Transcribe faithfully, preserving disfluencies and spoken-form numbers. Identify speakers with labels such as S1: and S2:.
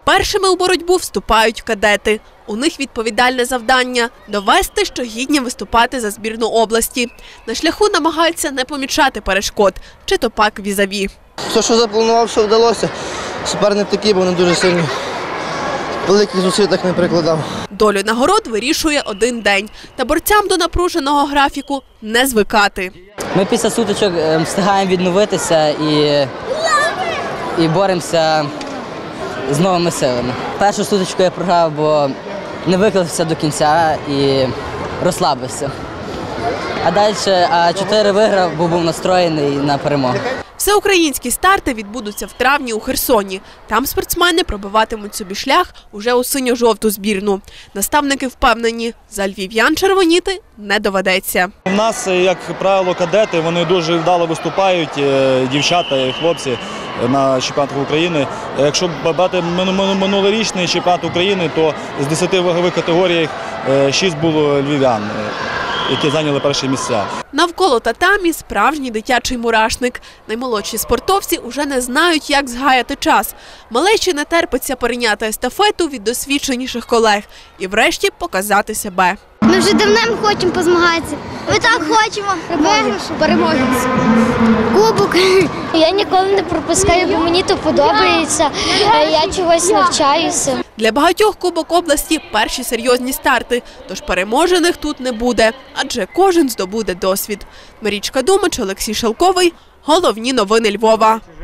S1: Першими у боротьбу вступають кадети. У них відповідальне завдання – довести, що гідні виступати за збірну області. На шляху намагаються не помічати перешкод, чи то пак візаві.
S2: Все, що запланував, що вдалося, суперник такий, бо вони дуже сильні. Великих зусиль так не прикладав.
S1: Долю нагород вирішує один день. Та борцям до напруженого графіку не звикати.
S3: Ми після сутичок встигаємо відновитися і, і боремося з новими силами. Першу сутичку я програв, бо не виклався до кінця і розслабився. А далі а чотири виграв, бо був настроєний на перемогу.
S1: Всеукраїнські старти відбудуться в травні у Херсоні. Там спортсмени пробиватимуть собі шлях уже у синьо-жовту збірну. Наставники впевнені, за львів'ян червоніти не доведеться.
S4: У нас, як правило, кадети, вони дуже вдало виступають, дівчата і хлопці на чемпіонатах України. Якщо брати минулорічний чемпіонат України, то з десяти вагових категорій шість було львів'ян, які зайняли перші місця.
S1: Навколо татамі справжній дитячий мурашник. Наймолодші спортовці уже не знають, як згаяти час. Малечі не терпиться перейняти естафету від досвідченіших колег і врешті показати себе.
S5: Ми вже давно хочемо позмагатися. Ми так хочемо. Переможемо. Кубок. Я ніколи не пропускаю, бо мені то подобається. Я чогось навчаюся.
S1: Для багатьох Кубок області – перші серйозні старти, тож переможених тут не буде, адже кожен здобуде досвід. Марічка Думач, Олексій Шелковий. Головні новини Львова.